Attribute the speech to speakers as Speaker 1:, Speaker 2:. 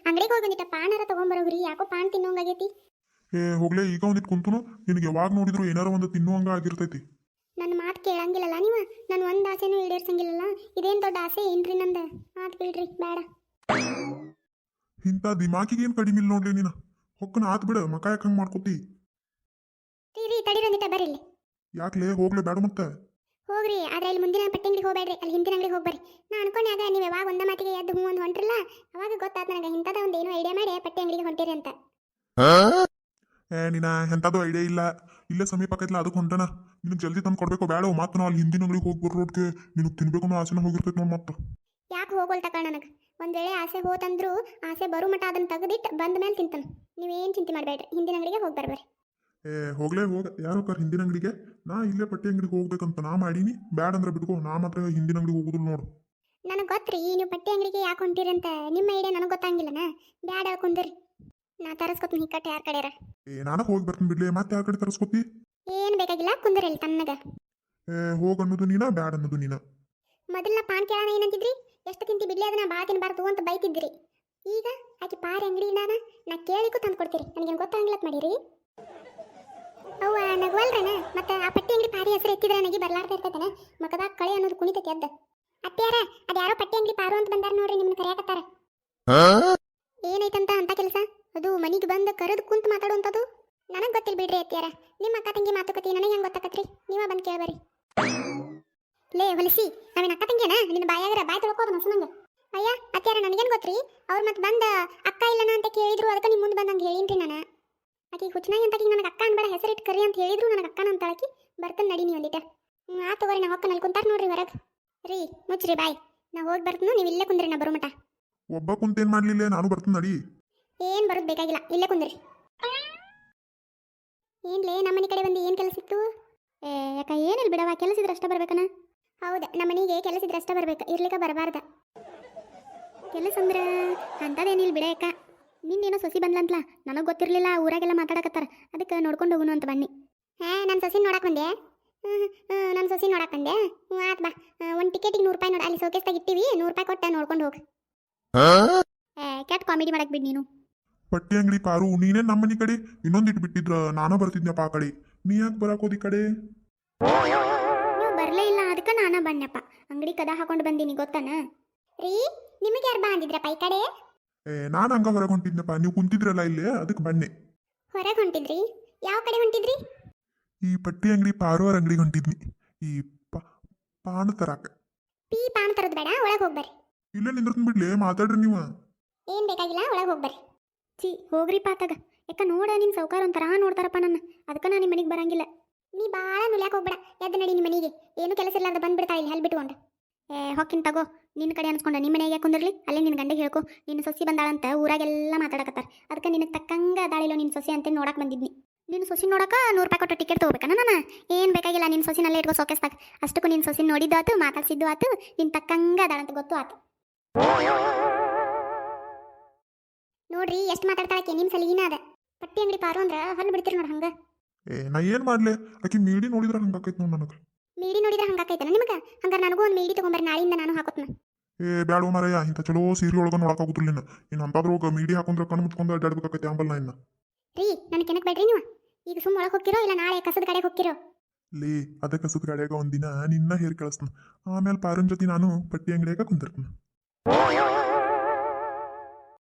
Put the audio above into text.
Speaker 1: ಅಂಗಡಿಗೆ ಹೋಗಿ ಒಂದಿಟ್ಟ ಪಾನರ ತಗೊಂಬರೋಗ್ರಿ, ಯಾಕೋ ಪಾನ್ ತಿನ್ನೋಂಗಾಗೈತಿ.
Speaker 2: ಹೋಗ್ಲೇ ಈಗ ಒಂದಿಟ್ಟು ಕುಂತುನು ನಿನಗೆ ಯಾವಾಗ ನೋಡಿದ್ರು ಏನಾರ ಒಂದು ತಿನ್ನುವಂಗ ಆಗಿರ್ತೈತಿ.
Speaker 1: ನನ್ನ ಮಾತು ಕೇಳಂಗಿಲ್ಲಲ್ಲ ನೀವು, ನಾನು ಒಂದು ಆಸೆನೂ ಈಡೇರ್ಸಂಗಿಲ್ಲಲ್ಲ. ಇದೇನು ದೊಡ್ಡ ಆಸೆ ಏನ್ರಿ ನಂದು? ಮಾತು ಬಿಡ್ರಿ ಬೇಡ.
Speaker 2: ಇಂಥ ದಿಮಾಕಿಗೆ ಏನು ಕಡಿಮೆ ಇಲ್ಲ ನೋಡ್ಲಿ ನೀನು. ಹೊಕ್ಕನ ಆತ್ ಬಿಡ, ಮಕ ಯಾಕೆ ಹಂಗೆ ಮಾಡ್ಕೊತಿ?
Speaker 1: ರೀ ತಡೀರಂದಿಟ್ಟ ಬರ್ರಿ ಇಲ್ಲಿ.
Speaker 2: ಯಾಕ್ಲೇ ಹೋಗ್ಲೇ ಬೇಡ ಮತ್ತೆ?
Speaker 1: ಹೋಗ್ರಿ, ಆದ್ರೆ ಇಲ್ಲಿ ಮುಂದಿನ ಪಟ್ಟಿ ಅಂಗಡಿಗೆ ಹೋಗ್ಬೇಡ್ರಿ, ಅಲ್ಲಿ ಹಿಂದಿನ ಅಂಗಡಿಗೆ ಹೋಗ್ಬರ್ರಿ. ನಾ ಅನ್ಕೊಂಡಾಗ ನೀವು ಯಾವಾಗ ಒಂದ ಮಾತಿಗೆ ಎದ್ದು ಹ್ಞೂ ಒಂದು ಹೊಂಟ್ರಲ್ಲ, ಅವಾಗ ಗೊತ್ತಾಯ್ತು ನನಗೆ ಇಂಥದ ಒಂದು ಏನೋ ಐಡಿಯಾ ಮಾಡಿ ಪಟ್ಟಿ ಅಂಗಡಿಗೆ ಹೊಂಟಿರಿ ಅಂತ.
Speaker 2: ನೀನ ಎಂಥದ್ದು ಐಡಿಯಾ ಇಲ್ಲ, ಇಲ್ಲೇ ಸಮೀಪ ಆಕೈತಿಲ್ಲ ಅದಕ್ಕೆ ಹೊಂಟನ. ನಿನಗೆ ಜಲ್ದಿ ತಂದು ಕೊಡ್ಬೇಕು ಬೇಡ, ಮತ್ತೆ ನಾವು ಅಲ್ಲಿ ಹಿಂದಿನ ಅಂಗಡಿಗೆ ಹೋಗಿ ಬರೋದಕ್ಕೆ ನಿನಗೆ ತಿನ್ಬೇಕು ಅನ್ನೋ ಆಸೆನ ಹೋಗಿರ್ತೈತೆ ನೋಡಿ ಮತ್ತೆ.
Speaker 1: ಯಾಕೆ ಹೋಗೋಲ್ ತಕ ನನಗೆ ಒಂದು ವೇಳೆ ಆಸೆ ಹೋತಂದ್ರು ಆಸೆ ಬರೋ ಮಟ ಅದನ್ನು ತೆಗೆದಿಟ್ಟು ಬಂದ ಮೇಲೆ ತಿಂತಾನೆ. ನೀವೇನು ಚಿಂತೆ ಮಾಡಬೇಡ್ರಿ, ಹಿಂದಿನ ಅಂಗಡಿಗೆ ಹೋಗಿ ಬರ್ಬರ್ರಿ.
Speaker 2: ಹೋಗ್ಲೇ ಹೋಗ, ಯಾರು ಕರ್ ಹಿಂದಿನ ಅಂಗಡಿಗೆ? ನಾ ಇಲ್ಲೇ ಪಟ್ಟಿ ಅಂಗಡಿಗೆ ಹೋಗ್ಬೇಕಂತ ನಾ ಮಾಡೀನಿ, ಬ್ಯಾಡ ಅಂದ್ರೆ ಬಿಟ್ಕೋ. ನಾ ಮಾತ್ರ ಹಿಂದಿನ ಅಂಗಡಿಗೆ ಹೋಗುದಿಲ್ಲ ನೋಡು.
Speaker 1: ನನಗೆ ಗೊತ್ತ್ರಿ ನೀವು ಪಟ್ಟಿ ಅಂಗಡಿಗೆ ಯಾಕೆ ಹೊಂಟಿರಿ ಅಂತ. ನಿಮ್ಮ ಐಡಿಯಾ ನನಗೆ ಗೊತ್ತಾಗಿಲ್ಲನ. ಬ್ಯಾಡ ಹೇಳ್ಕೊಂಡ್ರಿ, ನಾ ತರಸ್ಕೊತೀನಿ ಹಿಕ್ಕಟ್ಟು ಯಾರ ಕಡೆಯಾರ.
Speaker 2: ನಾನು ಹೋಗಿ ಬರ್ತೀನಿ ಬಿಡ್ಲಿ, ಮತ್ತೆ ಯಾರ ಕಡೆ ತರಿಸ್ಕೊತಿ?
Speaker 1: ಏನು ಬೇಕಾಗಿಲ್ಲ, ಕುಂದ್ರಲ್ಲಿ ತನ್ನಗ.
Speaker 2: ಹೋಗಿ ಅನ್ನೋದು ನೀನ, ಬ್ಯಾಡ ಅನ್ನೋದು ನೀನ.
Speaker 1: ಮೊದಲ ಪಾನ್ ಕೇಳೋಣ ಏನಂತಿದ್ರಿ? ಎಷ್ಟು ತಿಂತಿ ಬಿಡ್ಲಿ ಅದನ್ನ ಬಾ ತಿನ್ಬಾರ್ದು ಅಂತ ಬೈತಿದ್ರಿ. ಈಗ ಆಕೆ ಪಾರಿ ಅಂಗಡಿಯಿಂದಾನ ನಾ ಕೇಳಿಗೂ ತಂದು ಕೊಡ್ತೀರಿ. ನನಗೇನು ಗೊತ್ತಾಗಿಲ್ಲತ್ ಮಾಡಿರಿ. ಅವ್ವ ನಗುವಲ್ರನ ಮತ್ತೆ ಆ ಪಟ್ಟಿ ಅಂಗಡಿ ಪಾರಿ ಹೆಸರು ಎತ್ತಿದ್ರೆ ನನಗೆ ಬರ್ಲಾರ್ದ ಇರ್ತೈತನ. ಮಕದಾಗ ಕಳೆ ಅನ್ನೋದು ಕುಣಿತೈತಿ ಅದ್ದ. ಅತ್ಯಾರ ಅದು ಯಾರೋ ಪಟ್ಟಿ ಅಂಗಡಿ ಪಾರು ಅಂತ ಬಂದಾರ ನೋಡ್ರಿ, ನಿಮ್ಮನ್ನ ಕರೆಯಾಕತ್ತಾರ. ಏನೈತಂತ ಅಂತ ಕೆಲಸ? ಅದು ಮನಿಗೆ ಬಂದು ಕರೆದು ಕುಂತು ಮಾತಾಡುವಂಥದ್ದು ನನಗೆ ಗೊತ್ತಿಲ್ಲ ಬಿಡ್ರಿ ಅತ್ಯಾರ. ನಿಮ್ಮ ಅಕ್ಕ ತಂಗಿ ಮಾತುಕತೆ ನನಗೆ ಹೆಂಗೆ ಗೊತ್ತಾಕತ್ರಿ? ನೀವ ಬಂದು ಕೇಳ್ಬರಿ. ಲೇ ಹೊಲಿಸಿ, ನಾವೇನು ಅಕ್ಕ ತಂಗಿಯನ? ನಿನ್ನ ಬಾಯಾಗರ ಬಾಯ್ ತೊಳ್ಕೋದು ನಸನಂಗೆ. ಅಯ್ಯ ಅತ್ಯಾರ ನನಗೇನು ಗೊತ್ತ್ರಿ? ಅವ್ರು ಮತ್ತೆ ಬಂದ ಅಕ್ಕ ಇಲ್ಲನ ಅಂತ ಕೇಳಿದ್ರು, ಅದಕ್ಕೆ ನಿಮ್ಮ ಮುಂದೆ ಬಂದಂಗೆ ಹೇಳಿನ್ರಿ ನಾನು. ಆಕೆ ಹುಚ್ಚನಾಗಿ ಅಂತ ನನಗೆ ಅಕ್ಕ ಅನ್ಬೇಡ ಹೆಸರಿಟ್ಟು ಕರಿ ಅಂತ ಹೇಳಿದ್ರು, ನನಗೆ ಅಕ್ಕನ ಅಂತ ಆಕಿ ಬರ್ತಾನೆ ನಡಿ ನೀವು ಒಂದಿಟ. ಆ ತಗೋರಿ, ನಾ ಹೊಕ್ಕ ನಲ್ಲಿ ಕುಂತಾರ ನೋಡ್ರಿ ಹೊರಗೆ. ರೀ ಮುಚ್ಚ್ರಿ ಬಾಯ್, ನಾ ಹೋಗಿ ಬರ್ತೀನಿ, ನೀವು ಇಲ್ಲೇ ಕುಂದ್ರಿ, ನಾ ಬರೋ ಮಟ.
Speaker 2: ಒಬ್ಬ ಕುಂತೇನು ಮಾಡಲಿಲ್ಲ, ನಾನು ಬರ್ತೀನಿ ನಡಿ.
Speaker 1: ಏನು ಬರೋದು ಬೇಕಾಗಿಲ್ಲ, ಇಲ್ಲೇ ಕುಂದ್ರಿ. ಏನ್ಲೇ ನಮ್ಮನೆ ಕಡೆ ಬಂದು ಏನು ಕೆಲಸ ಇತ್ತು? ಯಾಕ ಏನಿಲ್ಲ ಬಿಡವ, ಕೆಲಸ ಇದ್ರೆ ಅಷ್ಟೇ ಬರ್ಬೇಕನ? ಹೌದಾ, ನಮ್ಮನೆಗೆ ಕೆಲಸ ಇದ್ರೆ ಅಷ್ಟೇ ಬರ್ಬೇಕು, ಇರ್ಲಿಕ್ಕೆ ಬರಬಾರ್ದ. ಕೆಲಸ ಅಂದ್ರೆ ಅಂಥದ್ದೇನಿಲ್ಲ ಬಿಡ ಯಾಕ. ನಿನ್ನೇನೋ ಸೊಸಿ ಬಂದ್ಲಂತಲ್ಲ, ನನಗೆ ಗೊತ್ತಿರಲಿಲ್ಲ. ಊರಾಗೆಲ್ಲ ಮಾತಾಡಕತ್ತಾರ, ಅದಕ್ಕೆ ನೋಡ್ಕೊಂಡು ಹೋಗುನು ಅಂತ ಬನ್ನಿ. ನನ್ನ ಸೊಸಿ ನೋಡಕ್ಕೆ ಬಂದೆ. ನನ್ನ ಸೊಸಿ ನೋಡಕ್ಕೆ ಬಂದೆ. ಆತ್ ಬಾ, ಒಂದು ಟಿಕೆಟಿಗೆ 100 ರೂಪಾಯಿ ನೋಡಿ, ಅಲ್ಲಿ ಸೋಕೇಸ್ದಾಗ ಇಟ್ಟಿವಿ, 100 ರೂಪಾಯಿ ಕೊಟ್ಟು ನೋಡ್ಕೊಂಡು ಹೋಗಿ. ಕೆಟ್ಟ ಕಾಮಿಡಿ ಮಾಡಕ್ಕೆ ಬಿಡಿ ನೀನು.
Speaker 2: ಪಟ್ಟಿ ಅಂಗಡಿ ಪಾರು, ನೀನೇ ನಮ್ಮನಿ ಕಡೆ ಇನ್ನೊಂದಿಟ್ಟು ಬಿಟ್ಟಿದ್ರ ನಾನ ಬರ್ತಿದ್ನಪ್ಪ ಆ ಕಡೆ. ನೀ ಯಾಕೆ ಬರಾಕೋದಿ ಕಡೆ?
Speaker 1: ನೀವು ಬರಲೇ ಇಲ್ಲ, ಅದಕ್ಕೆ ನಾನು ಬನ್ನಪ್ಪ. ಅಂಗಡಿ ಕದ ಹಾಕೊಂಡು ಬಂದೀನಿ ಗೊತ್ತಾನ ರೀ. ನಿಮಗೆ ಯಾರು ಬಾ ಅಂದಿದ್ರಪ್ಪ ಈ ಕಡೆ?
Speaker 2: ನಾನು ಹಂಗ ಹೊರಗೆ ಹೊಂಟಿದ್ನಪ್ಪ, ನೀವು ಕುಂತಿದ್ರಲ್ಲ ಇಲ್ಲೇ, ಅದಕ್ಕೆ ಬನ್ನಿ.
Speaker 1: ಹೊರಗೆ ಹೊಂಟಿದ್ರಿ? ಯಾವ ಕಡೆ ಹೊಂಟಿದ್ರಿ?
Speaker 2: ಈ ಪಟ್ಟಿ ಅಂಗಡಿ ಪಾರುವರ ಅಂಗಡಿಗೆ ಹೊಂಟಿದ್ನಿ, ಈ ಪಾನ ತರಾಕ.
Speaker 1: ಪಾನ ತರೋದು ಬೇಡ, ಒಳಗೆ ಹೋಗ್ಬರ್ರಿ.
Speaker 2: ಇಲ್ಲೇ ನಿಂದ್ರತೀನಿ ಬಿಡ್ಲಿ, ಮಾತಾಡ್ರಿ ನೀವು.
Speaker 1: ಏನು ಬೇಕಾಗಿಲ್ಲ, ಒಳಗೆ ಹೋಗ್ಬರ್ರಿ. ಹೋಗ್ರಿ ಪಾತಾಗ. ಯಾಕ ನೋಡ, ನಿಮ್ಮ ಸೌಕಾರ ಒಂಥರ ನೋಡ್ತಾರಪ್ಪ ನನ್ನ, ಅದಕ್ಕೆ ನಾನು ನಿಮ್ಮ ಮನೆಗೆ ಬರಂಗಿಲ್ಲ. ನೀ ಭಾಳ ನುಲ್ಯಾಕೆ ಹೋಗ್ಬೇಡ, ಎದ್ದು ನಡಿ ನಿಮ್ಮ ಮನೆಗೆ. ಏನು ಕೆಲಸ ಇಲ್ಲಾರ್ದ ಬಂದ್ಬಿಡ್ತಾ ಇಲ್ಲಿ ಹಲ್ ಬಿಟ್ಕೊಂಡು. ಹೊಕ್ಕಿನ ತಗೋ, ನಿನ್ನ ಕಡೆ ಅನ್ಸ್ಕೊಂಡ ನಿಮ್ಮ ಮನೆಗೆ ಕುಂದಿರ್ಲಿ. ಅಲ್ಲೇ ನಿನ್ನ ಗಂಡಿಗೆ ಹೇಳ್ಕೊ, ನಿನ್ನ ಸೊಸಿ ಬಂದಾಳಂತ ಊರಾಗೆಲ್ಲ ಮಾತಾಡಕತ್ತಾರ. ಅದಕ್ಕೆ ನಿನಗೆ ತಕ್ಕಂಗೆ ಅದಾಳಿಲ್ಲ ನಿನ್ನ ಸೊಸಿ ಅಂತ ನೋಡಕ್ಕೆ ಬಂದಿದ್ನಿ. ನಿನ್ನ ಸೊಸಿ ನೋಡಕ್ಕೆ 100 ರೂಪಾಯಿ ಕೊಟ್ಟು ಟಿಕೆಟ್ ತೊಗೋಬೇಕನ ನಾನು? ಏನು ಬೇಕಾಗಿಲ್ಲ, ನಿನ್ನ ಸೊಸಿನಲ್ಲೇ ಇಟ್ಕೋ ಸೋಕೆಸ್ತಾಗ. ಅಷ್ಟಕ್ಕೂ ನಿನ್ನ ಸೊಸಿ ನೋಡಿದ್ದು ಆತು, ಮಾತಾಡ್ಸಿದ್ದು ಆತು, ನಿನ್ನ ತಕ್ಕಂಗೆ ಅದಾಳಂತ ಗೊತ್ತು ಆತು. ನೋಡ್ರಿ ಎಷ್ಟು ಮಾತಾಡ್ತಾಳಕ್ಕೆ, ನಿಮ್ಮ ಸಲಿಗಿನ ಅದ. ಪಟ್ಟಿ ಅಂಗಡಿ ಪಾರು ಅಂದ್ರೆ ಹಲ್ಲು ಬಿಡ್ತೀರಿ ನೋಡಿ ಹಂಗೆ.
Speaker 2: ನಾ ಏನು ಮಾಡ್ಲೆ, ಆಕಿ ಮೀಡಿ ನೋಡಿದ್ರೆ ಹಂಗಾಕೈತೆ ನೋಡಿ ನನಗೆ.
Speaker 1: ಮೀಡಿ ನೋಡಿದ್ರೆ ಹಂಗಾಕೈತನ ನಿಮಗೆ? ಹಂಗಾರೆ ನನಗೂ ಒಂದು ಮೀಡಿ ತೊಗೊಂಬರ್ರಿ, ನಾಳೆಯಿಂದ ನಾನು ಹಾಕೋತ್ನ.
Speaker 2: ಬ್ಯಾಡೋ ಮಾರಯ್ಯ, ಇಂಥ ಚಲೋ ಸೀರೆ ಒಳಗೆ ನೋಡಕ್ಕಾಗುತ್ತಿಲ್ಲ ಇನ್ನು ಅಂತಾದ್ರೋಗ ಮೀಡಿ ಹಾಕೊಂಡ್ರೆ ಕಣ್ಣು ಮುಚ್ಕೊಂಡು ಅಡ್ಡಾಡ್ಬೇಕಾಕೈತೆ ಆಂಬಲ್ ನಾ ಇನ್ನು.
Speaker 1: ರೀ ನನಗೆ ಕೆನಕ್ ಬೇಡ್ರಿ ನೀವು. ಈಗ ಸುಮ್ಮ ಒಳಗೆ ಹೋಗ್ತಿರೋ ಇಲ್ಲ ನಾಳೆ ಕಸದ ಕಡೆಗೆ ಹೋಗ್ತಿರೋ?
Speaker 2: ಲೇ ಅದ ಕಸದ ಕಡೆಯಾಗ ಒಂದಿನ ನಿನ್ನ ಹೇರ್ ಕಳಿಸ್ತಾನ, ಆಮೇಲೆ ಪಾರನ್ ಜೊತೆ ನಾನು ಪಟ್ಟಿ ಅಂಗಡಿಯಾಗ ಕುಂದಿರ್ತೀನಿ.